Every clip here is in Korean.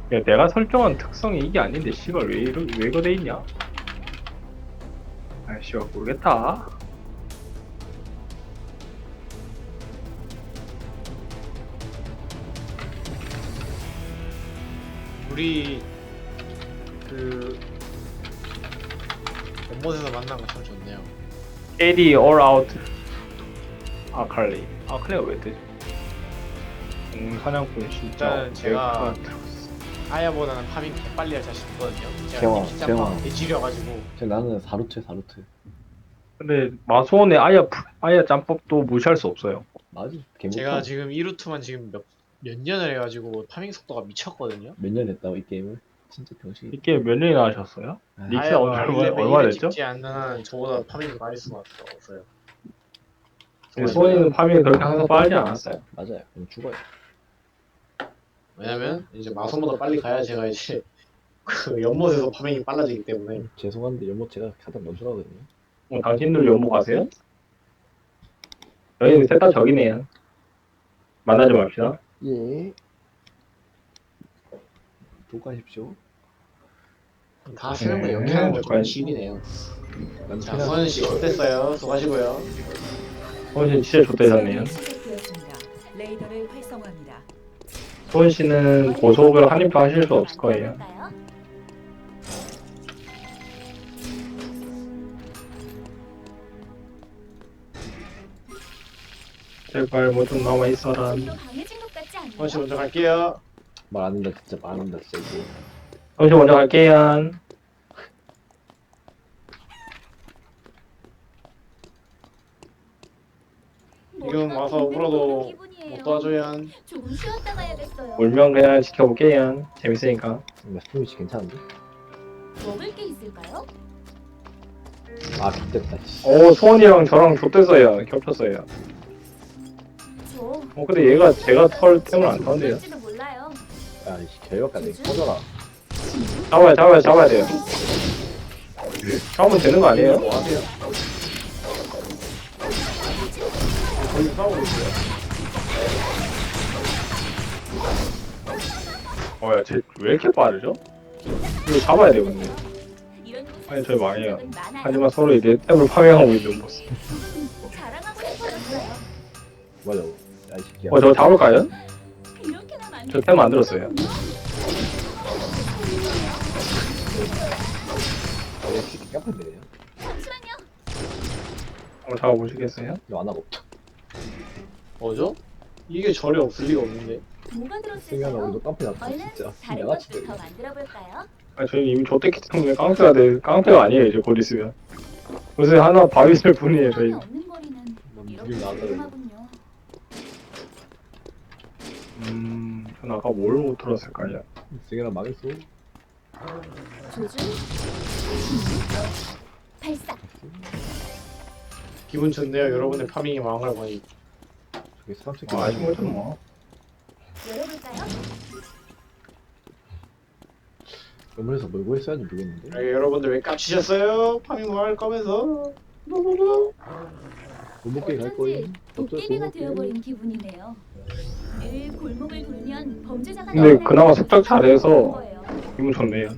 야, 내가 설정한 특성이 이게 아닌데 씨발 왜 이거 돼 있냐? 아 씨발 모르겠다. 우리 그 연못에서 만난 거 참 좋네요. KD all out. 아칼리가 왜 뜨지? 사냥꾼 진짜 일단 제가 들었어. 아야보다는 파밍 빨리 할 자신 있거든요. 제가 재화, 이미 재화. 짬밥 개지려가지고 나는 4루트. 근데 마소원의 아야 짬법도 무시할 수 없어요. 맞지? 제가 지금 2루트만 지금 몇 년을 해가지고 파밍 속도가 미쳤거든요. 몇년 했다고 이 게임을? 진짜 병신이. 이게 몇 년이나 하셨어요? 아, 닉스 아야가 얼마 1레벨 됐죠? 찍지 않는 한 저보다 파밍이 많이 수가 없어요. 소원이는 파밍이 그렇게 항상 빠르지 않았어요. 맞아요. 그럼 죽어요. 왜냐면 이제 마선보다 빨리 가야 제가 이제 그 연못에서 파밍이 빨라지기 때문에. 죄송한데 연못 제가 가장 먼저 가거든요. 당신들 연못 가세요? 저희는 셋 다 적이네요. 만나지 맙시다. 예. 독가십시오. 다 세명만 연기하는 거 과연- 좀 신이네요. 난 자, 최대한 소연씨 어땠어요? 수고하시고요. 소원 씨 진짜 좋대셨네요. 레이더를 활성화합니다. 소원 씨는 고속을 한 입도 하실 수 없을 거예요. 제발 뭐 좀 남아 있어라. 소연씨 먼저 갈게요. 말안 한다 진짜 말한다 진짜 이거. 소원 씨 먼저 갈게요. 지금 와서 울어도 못 도와줘야. 조금 쉬었다 가야겠어요. 울면 그냥 지켜볼게요. 재밌으니까. 나 스토리치 괜찮은데? 먹을 게 있을까요? 아 좋겠다. 씨. 오 소원이랑 저랑 좆됐어요. 겹쳤어요. 저 근데 얘가 제가 털 템을 안 타는데요. 먹을지도 몰라요. 야이 개역까지 꺼져라. 잡아야 돼요. 잡으면 되는 거 아니에요? 뭐 하세요? 거기 싸우고 있어요. 야, 쟤 왜 이렇게 빠르죠? 이거 잡아야 되거든요. 이런 곳에 아니, 저희 망해요. 적은 많아요. 하지만 서로 이제 템을 파밍하고 있는 모습. 자랑하고 싶어졌어요. 맞아. 야이 새끼야. 저거 잡을까요? 이렇게나 많이 저 템 만들었어요. 이 새끼 깜빡이네요. 잠시만요. 한번 잡아보시겠어요? 이거 안 하고. 뭐죠? 이게 절에 없을 리가 없는데. 뭐가 생각나 들었을까요? 우리도 깜빡이 났다 얼른 진짜. 다른 양아치 것도 들 더 만들어 볼까요? 저희 이미 좆됐기 때문에 깡패가 돼. 깡패가 아니에요, 이제 곧 있으면. 요새 하나 바위슬 뿐이에요, 저희. 없는 거리는 이렇게 무빙 나왔다. 조용하군요. 전 아까 뭘 못 들었을까요? 승현아 망했어. 조준 발사. 기분 좋네요. 여러분의 파밍이 망한 걸 보니. 저게 사람 새끼 아쉬운 거죠, 뭐. 열어볼까요? 연문에서 뭘 구했어야지 모르겠는데. 여러분들 왜 깝치셨어요? 파밍 망할 거면서. 골목길 갈 거임. 어쩐지 도깨비가 되어버린 기분이네요. 늘 골목을 돌면 범죄자가 근데 나타날 그나마 것 속작 잘해서 거예요. 기분 좋네요.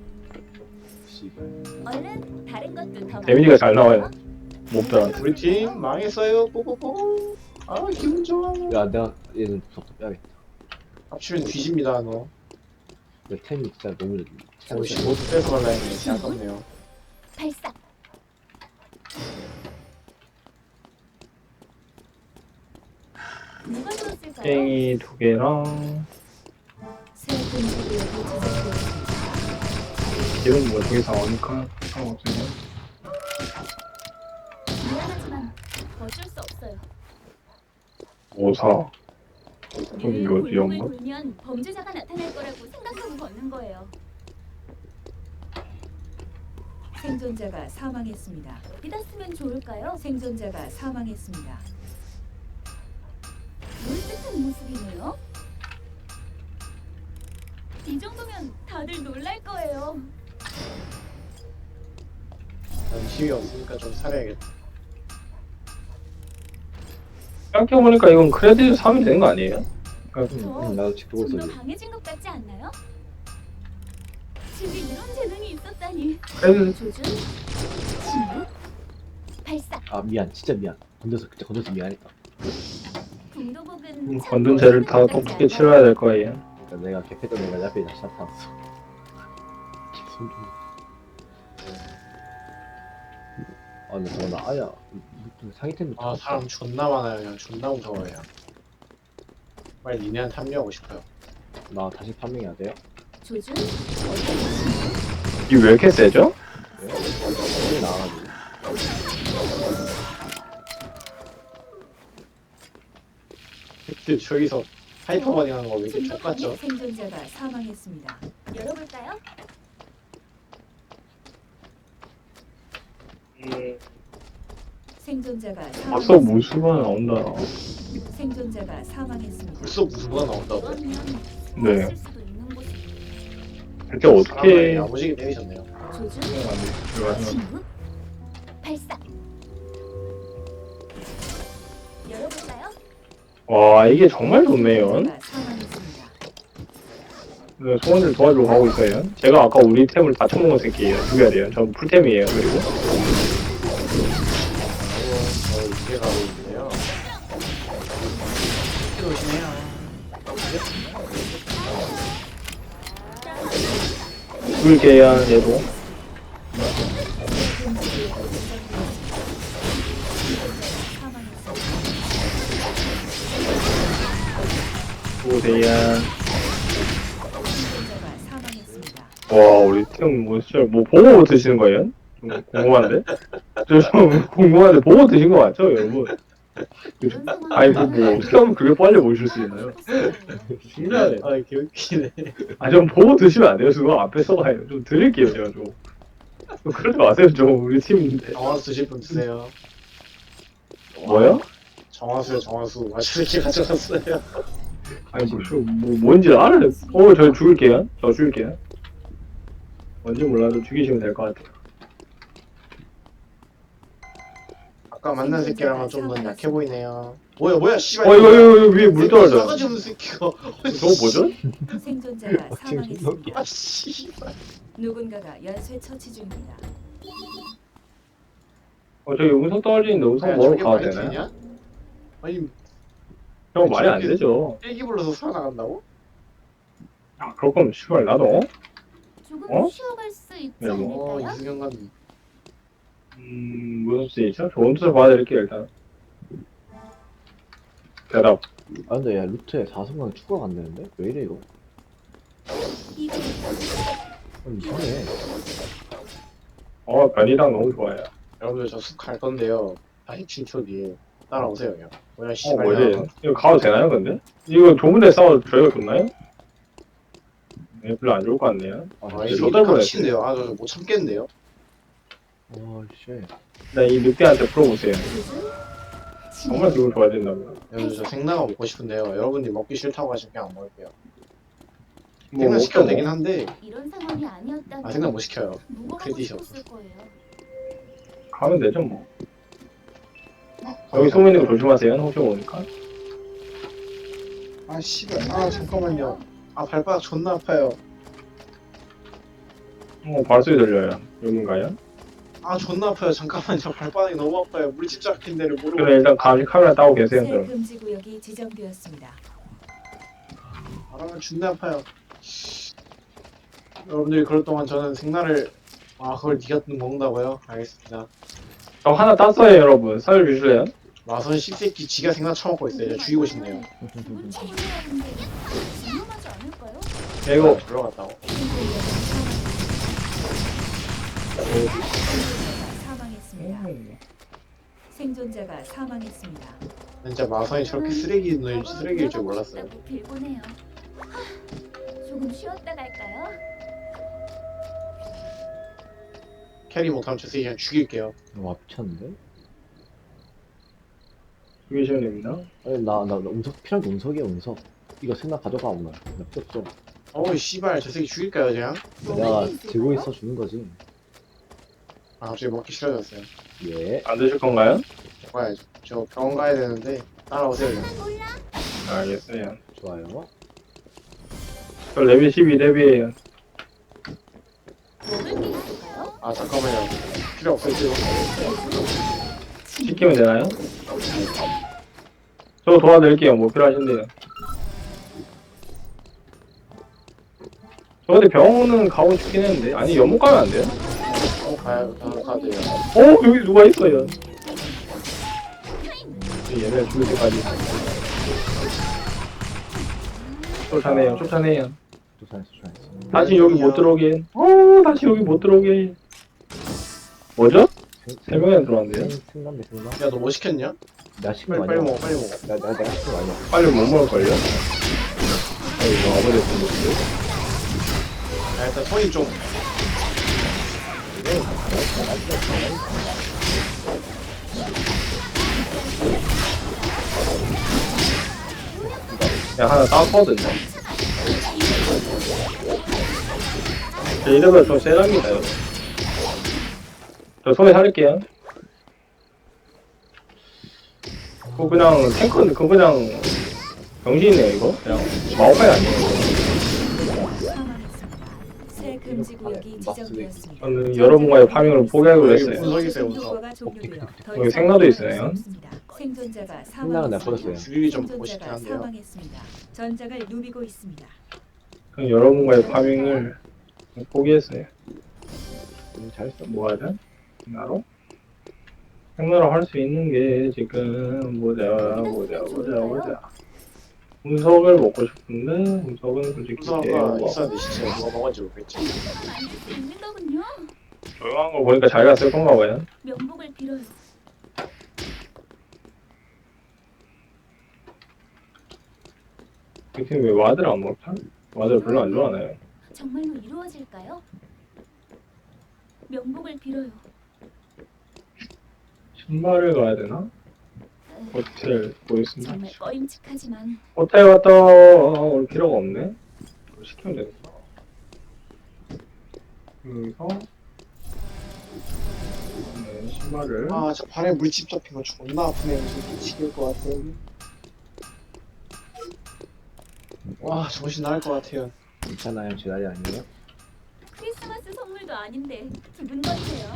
얼른 다른 것도 더 데미지가 잘 만들어볼까요? 나와요. 몹들한테. 우리 팀 망했어요. 뽀뽀뽀. 아 기분 좋아. 야 내가 얘는 무섭다 빼야겠다. 합치면 뒤집니다 너. 내 템이 진짜 너무 오씨 모두 뺏어갈라 했는데 진짜 아깝네요. 발사. 누가 들었을까요? 땡이 2개랑 새 분들이 여기 제작되었습니다. 이런 뭐 되게 상하니까 상관없어요. 미안하지만 어쩔 수 없어요. 5사. 좀 늘 이거 골목을 위험한가? 돌면 범죄자가 나타날 거라고 생각하고 걷는 거예요. 생존자가 사망했습니다. 믿었으면 좋을까요? 생존자가 사망했습니다. 물뜻한 모습이네요. 이 정도면 다들 놀랄 거예요. 난 힘이 없으니까 좀 살아야겠다. 생각해보니까 이건 크레딧 3이 되는 거 아니에요? 저 나도 지금 보고 좀 더 있었지. 강해진 것 같지 않나요? 제게 이런 재능이 있었다니. 그래서 조준, 침묵, 발사. 아 미안 진짜 미안. 진짜 건져서 미안했다. 궁도복은 건든 죄를 다 똑똑히 치러야 될 거예요. 그러니까 내가 개패던 내가 옆에 다시 나타났어. 손 좀. 아 근데 저거 나 아야 상위템부터. 아 사람 존나 많아요. 그냥 존나 무서워요. 빨리 니네한테 합류하고 싶어요. 나 다시 판명해야 돼요? 조준, 이게 왜 이렇게 세죠? 빨리 나와가지고. 저기서 하이퍼버닝 하는 거 왜 이렇게 똑같죠? 생존자가 사망했습니다. 열어볼까요? 생존자가 벌써 사망했습니다. 무수가 나온다. 생존자가 사망했습니다. 벌써 무수가 나온다고? 그러면 네. 쓸 수도 있는 곳이. 그때 어떻게 야무지게 때리셨네요. 조준, 들어가서 침묵, 발사. 열어볼까요? 와 이게 정말 좋네요. 생존자가 사망했습니다. 네, 소원을 도와주러 가고 있어요. 제가 아까 우리 템을 다 처먹은 새끼예요. 죽여야 돼요. 전 풀템이에요. 그리고 이게 가고 있네요. 이렇게 오시네요. 죽을게요. 얘도. 죽으세요. 생존자가 사망했습니다. 와 우리 팀 뭐 진짜 뭐 보고 드시는 거예요? 좀 궁금한데? 저 좀 궁금한데 보고 드신 거 맞죠 여러분? 이런 상황. 아니 뭐 어떻게 하면 그게 빨리 모실 수 있나요? 신기하네. 아 개웃기네. 아 좀 보고 드시면 안 돼요. 그거 앞에서 가요. 좀 드릴게요 제가 좀. 그러지 마세요 좀 우리 팀인데. 정화수 드실 분 드세요. 뭐요? 정화수요 정화수. 맛있게 가져갔어요. 아니 뭐 뭔지 알아요. 저 죽일게요. 저 죽일게요. 뭔지 몰라도 죽이시면 될 것 같아요. 아까 만난 새끼랑은 좀 더 약해 보이네요. 뭐야 씨발. 이거 위에 물 떨어져. 싸가지 없는 새끼가. 저거 뭐죠? 생존자가 사망했습니다. 아 씨발. 누군가가 연쇄 처치 중입니다. 저기 음성 떨어지는데 음성 뭐로 가야 되나요? 되냐? 아니 형 말이 안 되죠. 일기 불러서 살아나간다고? 아 그럴 거면 씨발 나도 조금 어? 쉬어갈 수 있지 네, 뭐. 않을까요? 이승현 감독. 무슨 뜻이죠? 좋은 뜻을 봐드릴게요 일단. 대답. 아 근데 야 루트에 4승강 추가가 안 되는데? 왜 이래 이거? 이게 아니 이상해. 변이당 너무 좋아요. 여러분들 저 숲 갈 건데요. 47초 뒤에 따라오세요 그냥. 뭐야 씨발. 뭐지? 이거 가도 되나요 근데? 이거 좁은 데 싸워도 저희가 좋나요? 네, 별로 안 좋을 것 같네요. 아 아 진짜. 이거 깜친데요. 아 저 못 참겠는데요. 씨. 네, 이 늑대한테 풀어보세요. 조준, 정말 침묵, 기분 좋아야 된다고요. 여러분들 저 생나가 먹고 싶은데요. 여러분들이 먹기 싫다고 하시면 그냥 안 먹을게요. 뭐 생나 시켜도 먹죠, 되긴 뭐. 한데 이런 상황이 아니었다면 아 생나 못 시켜요. 무고하고 크레딧이 싶었을 거예요. 가면 되죠 뭐. 여기 숨어 있는 거 조심하세요. 혹시 모르니까. 아 씨발. 아 잠깐만요. 아 발바닥 존나 아파요. 발소리 들려요. 여긴가요? 아 존나 아파요. 잠깐만요. 발바닥이 너무 아파요. 물집 잡힌 데를 모르고. 그래 일단 감시 카메라 따고 계세요. 새 그럼. 금지 구역이 지정되었습니다. 아 존나 아파요. 여러분들이 그럴 동안 저는 생나를 그걸 니가 먹는다고요? 알겠습니다. 저 하나 땄어요 여러분. 살려주실래요? 마선 씹새끼 지가 생나 처먹고 있어요. 제가 죽이고 싶네요. 기분 처분해야 하는데 위험하지 않을까요? 이거 들어갔다고. 사망했습니다. 생존자가 사망했습니다. 진짜 마선이 저렇게 쓰레기일 줄 몰랐어요. 싶다고 빌보네요. 조금 쉬었다 갈까요? 캐리 못하면 저 새끼 그냥 죽일게요. 와 미쳤는데? 죽이시면 됩니다. 아니 나 운석 필요한 게 운석이야 운석. 이거 생각 가져가 오늘. 나 필요 없어. 어우 씨발 저 새끼 죽일까요 그냥? 내가 들고 있어 주는 거지. 아 갑자기 먹기 싫어졌어요. 예. 안 드실 건가요? 먹어야죠. 저 병원 가야 되는데 따라오세요 그냥. 몰라. 알겠어요. 좋아요. 저 레벨 12렙이에요. 아 잠깐만요. 필요 없어요 지금. 시키면 되나요? 저 도와드릴게요. 뭐 필요하신데요. 저 근데 병원은 가고 싶긴 했는데 아니 연못 가면 안 돼요? 가야 돼요. 여기 누가 있어요? 얘네 죽을 때까지 쫓아내요. 조사했어. 다시 여기 못 들어오게. 다시 여기 못 들어오게. 뭐죠? 세 명이나 들어왔는데요? 생남대 생남. 야 너 뭐 시켰냐? 내가 시킨 거 빨리 아니야? 먹어 빨리 먹어. 내가 시킨 거 아니야? 빨리 못 먹을걸요? 이거 아버지 분들. 야 일단 손이 좀. 그냥 하나 땄거든요. 이러면 좀 세랍니다, 여러분. 저 손에 살릴게요. 그거 그냥 그거 그냥 병신이네요, 이거. 그냥 마오카이 아니에요. 사망했습니다. 새 금지 구역이 지정되었습니다. 저는 여러분과의 파밍을 포기하기로 했어요. 분석이 있어요 분석. 공격과가 종료되어 더 여기 이상 생나도 있어요. 없습니다. 생존자가 생나는 내가 사망했습니다. 버렸어요. 죽이기 좀 멋있긴 생존자가 한데요. 사망했습니다. 전장을 누비고 있습니다. 저는 여러분과의 파밍을 포기했어요. 잘했어. 뭐 하자? 생나로? 생나로 할 수 있는 게 지금 보자. 운석을 먹고 싶은데 운석은 솔직히 분석가 있었는데 시체 누가 먹었는지 모르겠지. 있는 거군요. 조용한 거 보니까 자기가 쓸 건가 봐요. 명복을 빌어요. 이 팀 왜 와드를 안 먹자? 와드를 별로 안 좋아하나요? 정말로 이루어질까요? 명복을 빌어요. 신발을 가야 되나? 호텔 보겠습니다. 정말 꺼임칙하지만 호텔 갔다 올 필요가 없네. 이거 시키면 되겠다. 여기서 네, 신발을 아 저 발에 물집 잡힌 거 존나 아프네. 무슨 미치겠을 것 같아. 와 정신 나갈 것 같아요. 괜찮아요. 제 날이 아니에요. 크리스마스 선물도 아닌데 기분 거세요.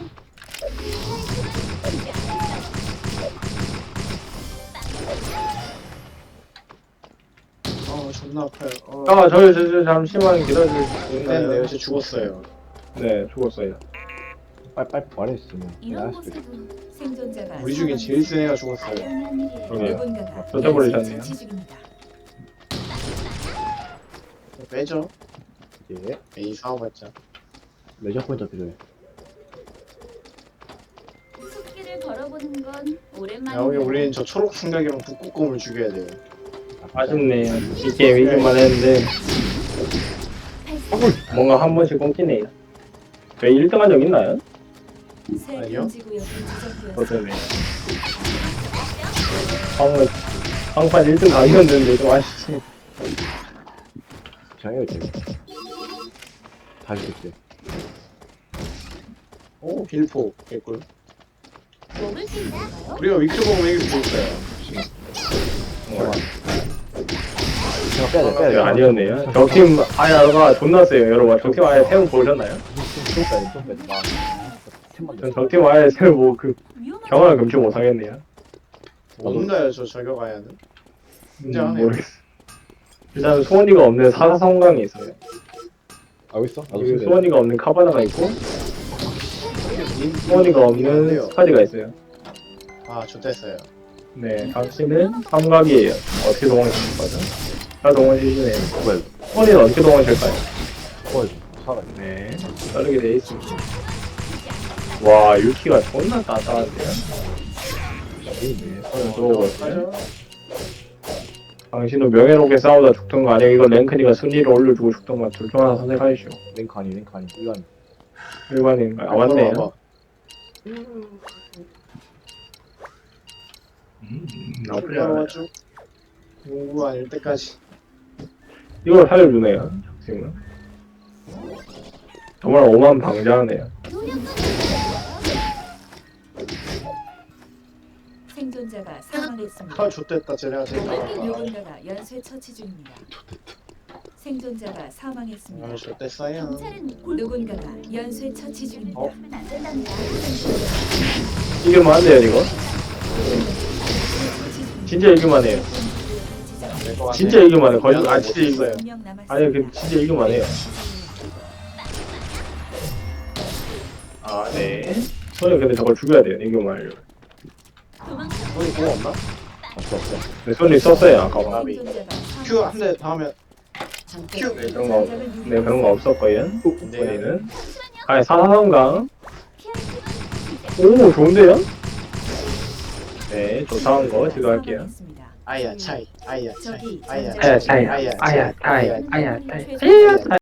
존나 아파요. 저 잠시만 기다려주세요. 네, 저 죽었어요. 네, 죽었어요. 빨리 말했으면 이런 내가 할수 있어. 곳에도 생존자가 우리 중에 제일 센 애가 죽었어요. 당연한 일이에요. 그러게요. 누군가가 쫓아버리셨네요. 처치 중입니다. 빼죠. 예. 에이 싸워봤자. 레저 포인트 필요해. 숲길을 걸어보는 건 야 여기 오랜만이네요. 우리는 저 초록 승각이랑 북극곰을 죽여야 돼요. 아쉽네요. 이 게임 이길만 했는데 뭔가 한 번씩 끊기네요. 왜 1등 한 적 있나요? 새 아니요. 금지 구역이 지정되었습니다. 어쩌네. 방판 1등 강이었는데 좀 아쉽지. 장애가 있대. 다시 있대. 오 빌포 개꿀. 먹을 수 있을까요? 우리가 위클 먹으면 이길 수 있어요. 제가 빼야 돼. 아니었네요. 적팀 아야가 존나 세요, 여러분. 적팀 아야 세운 보셨나요? 좀 빼야 돼. 팀만 전 적팀 아야 세운 뭐그 위험하지 경험을 금치 못하겠네요. 뭔가요 저 저격아야는? 굉장하네요. 모르겠어. 일단 소원이가 없는 사사성강이 있어요. 알고 있어? 나도 그리고 쓰래. 소원이가 없는 카바나가 있고 소원이가 없는 스카디가 있어요. 아 좋댔어요. 네, 당신은 삼각이에요. 어떻게 동원하실 거죠? 다 동원해주시네요. 뭐야? 소원이는 어떻게 동원하실까요? 살아. 네, 자르게 돼 있습니다. 와, 유키가 존나 따뜻한데요? 네, 손을 들어오거든요. 당신은 명예롭게 싸우다 죽던 거 아니에요? 이거 랭크니가 순위를 올려주고 죽던 거 둘 중 하나 선택하시오. 랭크 아니. 일반. 일반인가요? 아, 맞네요. 나쁘지 않아요. 나쁘지 공부 아닐 때까지. 이걸 살려주네요, 지금은. 정말 오만 방자하네요. 생존자가 사망했습니다. 아 좋댔다 쟤네가 제일 강하다. 누군가가 연쇄 처치 중입니다. 생존자가 사망했습니다. 어땠어요? 경찰은 골 누군가가 연쇄 처치 중입니다. 하면 안 된답니다. 이길만 한데요 이거? 진짜 이길만 해요. 진짜 이길만 해. 거의 진짜 이겨요. 아니 그 진짜 이길만 해요. 아 네. 손이 근데 저걸 죽여야 돼요. 이길만 하려면. 도망쳐. 손이 공 없나? 없어. 근데 손이 썼어요 아까 봐. 큐 한 대 더 하면 큐! 네 그런 거 네 그런 거 없었고요. 네. 우리는 아니 사상강. 피할 오 좋은데요? 네 조사한 거 지금 할게요. 아야 차이 아야 차이 저기 아야 전자가 차이 아야 차이 아야 차이 아야 차이 최소